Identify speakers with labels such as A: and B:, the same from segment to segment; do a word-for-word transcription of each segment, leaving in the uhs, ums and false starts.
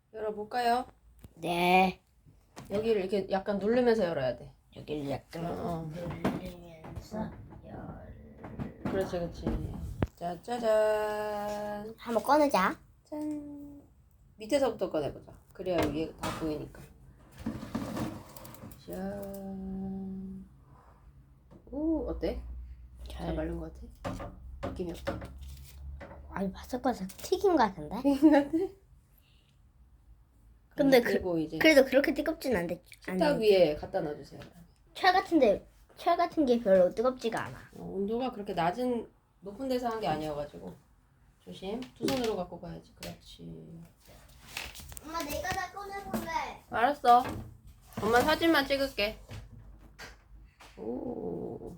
A: 열어볼까요?
B: 네.
A: 여기를 이렇게 약간 누르면서 열어야 돼.
B: 여기를 약간
A: 어.
B: 누르면서 열.
A: 그렇지, 그렇지. 짜자잔.
B: 한번 꺼내자.
A: 짠. 밑에서부터 꺼내보자. 그래야 위에 다 보이니까. 짠. 오, 어때? 잘
B: 잘.
A: 말른 것 같아? 느낌이 어때?
B: 아니 바삭바삭 튀김 같은데?
A: 같아?
B: 근데
A: 그리고 이제
B: 그래도 그렇게 뜨겁진 않대.
A: 식탁 위에 갖다 놔주세요.
B: 철 같은데 철 같은 게 별로 뜨겁지가 않아.
A: 어, 온도가 그렇게 낮은 높은 데서 한 게 아니어가지고 조심. 두 손으로 갖고 가야지. 그렇지.
B: 엄마 내가 다 꺼내볼래.
A: 알았어. 엄마 사진만 찍을게. 오.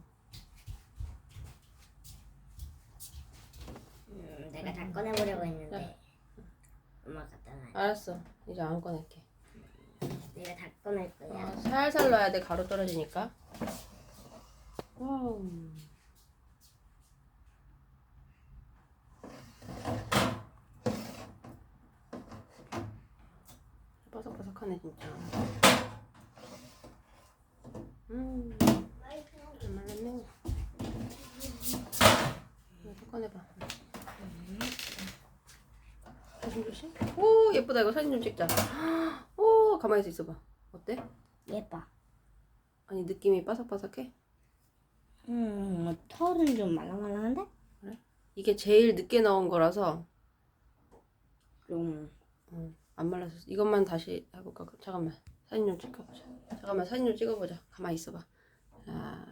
B: 음, 내가 다 꺼내보려고 했는데 엄마가 갖다 놔.
A: 알았어. 이제 안 꺼낼게.
B: 내가 다 꺼낼 거야.
A: 어, 살살 넣어야 돼. 가루 떨어지니까. 와우. 바삭바삭하네 진짜. 음. 잘 말랐네. 이거 꺼내봐. 조심 조심. 오 예쁘다. 이거 사진 좀 찍자. 오 가만히 있어봐. 어때?
B: 예뻐.
A: 아니 느낌이 바삭바삭해?
B: 음, 털은 좀 말랑말랑한데?
A: 그래? 이게 제일 늦게 나온 거라서
B: 좀
A: 어, 안 말랐어. 이것만 다시 해볼까? 잠깐만 사진 좀 찍어보자. 잠깐만 사진 좀 찍어보자. 가만히 있어봐. 자,